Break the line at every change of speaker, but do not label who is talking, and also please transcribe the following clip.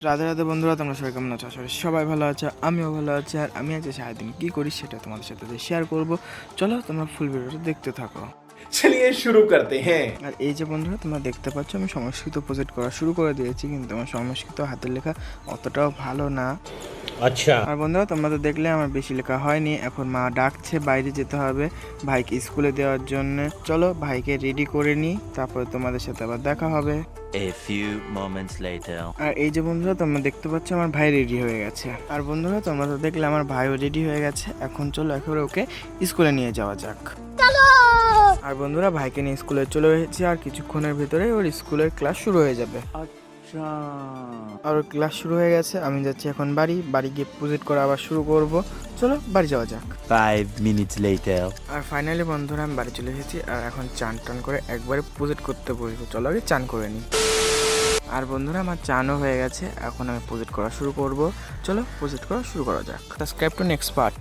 রাধে রাধে বন্ধুরা, তোমরা সবাই কেমন আছো? আসলে সবাই ভালো আছে, আমিও ভালো আছি। আর আমি আজ সারাদিন কী করি সেটা তোমাদের সাথে শেয়ার করব। চলো তোমরা ফুল ভিডিওটা দেখতে থাকো।
चलिए शुरू करते हैं।
আর এই যে বন্ধুরা, তোমরা দেখতে পাচ্ছ আমি সংস্কৃত প্রজেক্ট করা শুরু করে দিয়েছি, কিন্তু আমার সংস্কৃত হাতের লেখা অতটাও ভালো না।
अच्छा
আর বন্ধুরা, তোমরা তো দেখলে আমার বেশি লেখা হয়নি। এখন মা ডাকছে, বাইরে যেতে হবে ভাইকে স্কুলে দেওয়ার জন্য। চলো ভাইকে রেডি করে নিই, তারপরে তোমাদের সাথে আবার দেখা হবে।
A few moments later.
আর এই যে বন্ধুরা, তোমরা দেখতে পাচ্ছ আমার ভাই রেডি হয়ে গেছে। আর বন্ধুরা, তোমরা তো দেখলে আমার ভাইও রেডি হয়ে গেছে। এখন চলো একেবারে ওকে স্কুলে নিয়ে যাওয়া যাক। আর বন্ধুরা, ভাইকে নিয়ে স্কুলে চলে এসেছি, আর কিছুক্ষণের ভিতরে ওর স্কুলের ক্লাস শুরু হয়ে যাবে। আর ওর ক্লাস শুরু হয়ে গেছে। আমি যাচ্ছি এখন বাড়ি গিয়ে প্রজেক্ট করা আবার শুরু করব। চলো বাড়ি যাওয়া যাক।
5 minutes later.
আর ফাইনালি বন্ধুরা, আমি বাড়ি চলে এসেছি। আর এখন চান টান করে একবারে প্রজেক্ট করতে বসবো। চলো আগে চান করে নিই। আর বন্ধুরা, আমার চানও হয়ে গেছে। এখন আমি প্রজেক্ট করা শুরু করব। চলো প্রজেক্ট করা শুরু করা যাক। Subscribe to next part.